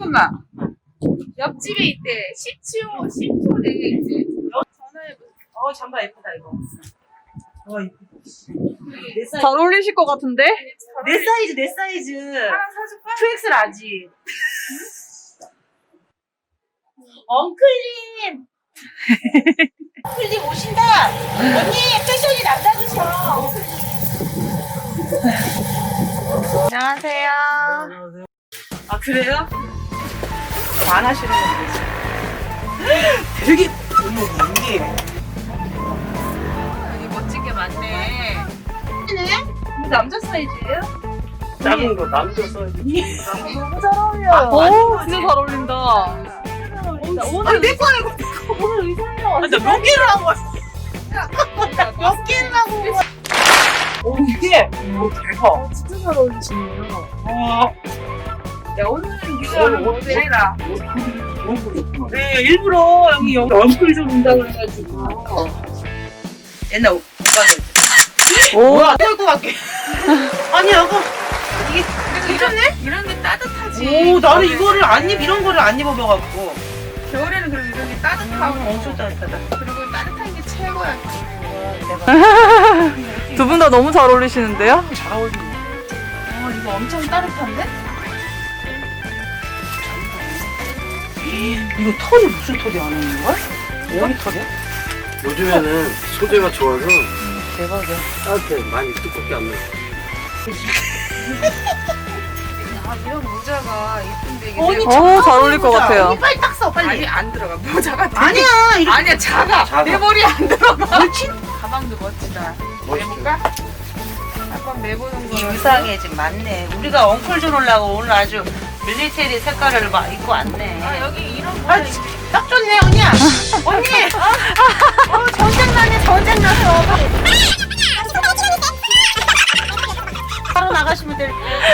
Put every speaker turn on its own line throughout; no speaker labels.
잠깐만. 옆집에 있대. 10초 내에 있대. 전화해보세요.
잠바 예쁘다, 이거. 이쁘다.
잘 어울리실 것 같은데?
내 사이즈.
하나 사줄까?
2X 라지. 엉클님! 엉클님 오신다! 언니, 패션이 남다르셔.
안녕하세요.
아, 그래요? 안 하시는 건데. 되게, 어머, 이게.
여기 멋진 게 많네. 이거 남자 사이즈예요?
작은 거 남자 사이즈.
너무 잘 어울려요.
오, 진짜 잘 어울린다.
오늘 내 거야, 이거. 오늘 의상이야. 아, 나몇 개를 하고 왔어. 몇 개를 하고 왔어. 오, 이게. 오, 대박.
진짜 잘 어울리시네요.
와.
야, 오늘은 유저는 모델이라.
네, 일부러 여기 얼굴 좀 온다 그래가지고. 옛날 오빠들.
오,
뭐야, 떨고 갈게. 아니, 여보. 이게,
괜찮네? 이런 게 따뜻하지.
오, 나는 이거를 이런 거를 안 입어봐갖고.
겨울에는 그럼 이런 게 따뜻하고.
엄청 따뜻하다.
그리고 따뜻한 게 최고야.
대박.
두 분 다 너무 잘 어울리시는데요?
잘 어울리네.
이거 엄청 따뜻한데?
이거 털이 무슨 털이 안 오는 거야? 어디 털이야?
요즘에는 소재가 좋아서
대박이야.
따뜻해. 많이 두껍게 안 나.
아, 이런 모자가 예쁜데 이게
언니,
내가
어, 잘 어울릴 것 같아요.
언니 빨리 딱 써,
아니
빨리.
안 들어가. 모자가 되게-
아니야, 이렇게.
아니야 작아.
작아.
내 머리 안 들어가.
옳지?
가방도 멋지다.
멋있죠.
내볼까? 한번 내보는
이
거.
의상에 지금 맞네. 우리가 엉클 좀 올라고 오늘 아주 밀리테리 색깔을 막 입고 왔네.
아 여기 이런
아,
모자.
딱 좋네, 언니야. 언니. 전쟁 나네, 전쟁 나서. 바로 나가시면 될.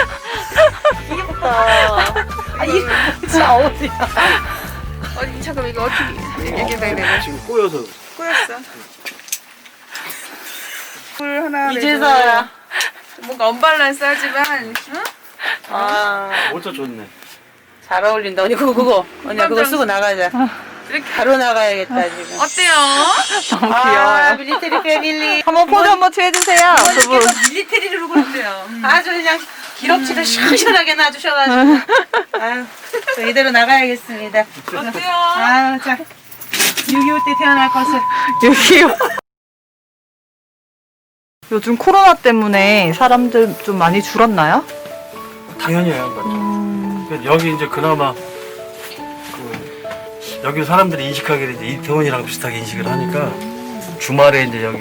이쁘다. 아, 이거 진짜 어디야?
어디 잠깐 이거 어떻게 이렇게 내가
지금 꼬여서.
꼬였어. 물 하나.
이제서야.
뭔가 언밸런스하지만. 응?
아,
모자 좋네.
잘 어울린다. 언니 그거. 언니야 그거 쓰고 나가자.
이렇게
바로 나가야겠다 지금.
어때요?
너무
아,
귀여워요.
밀리테리 패밀리.
한번 포즈 한번 취해주세요, 두 분.
어머니께서 밀리테리를 그러세요. 아주 그냥 기럽지를 시원하게 놔주셔가지고. 아유, 저 이대로 나가야겠습니다.
어때요?
아유, 자. 6.25 때 태어날 것을.
여기요. 요즘 코로나 때문에 사람들 좀 많이 줄었나요?
당연히 해요. 그러니까 여기 이제 그나마 여기 사람들이 인식하기를 이제 이태원이랑 비슷하게 인식을 하니까 주말에 이제 여기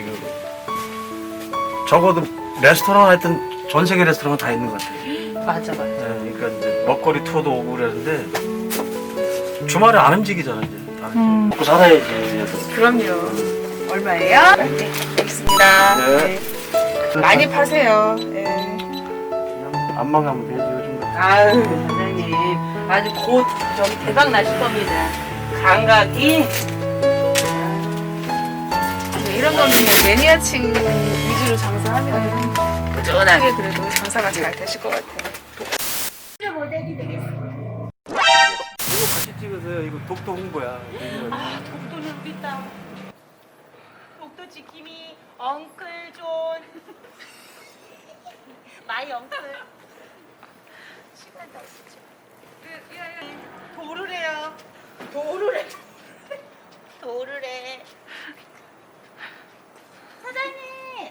적어도 레스토랑 하여튼 전 세계 레스토랑은 다 있는 것 같아요.
맞아, 맞아.
네, 그러니까 이제 먹거리 투어도 오고 그러는데 주말에 안 움직이잖아 이제. 다. 먹고 살아야지.
그럼요. 얼마예요?
네, 알겠습니다.
네.
많이 파세요. 예.
그냥 안만 가면 되지 요즘.
아유, 사장님. 아주 곧 저기 대박 나실 겁니다. 감각이.
이런 거는 그냥 매니아층 위주로 장사하면 꾸준하게 그래도 장사가 잘 되실 것 같아요.
같이 찍으세요. 이거 독도 홍보야.
아, 독도는 우리 땅. 독도 지킴이 엉클 존. 마이 엉클. 시간 다 있지. 도를 해요. 도를 해. 도를 해. 사장님.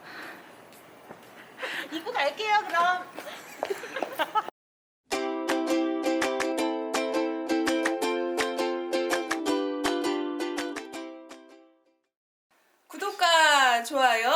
입고 갈게요, 그럼.
구독과 좋아요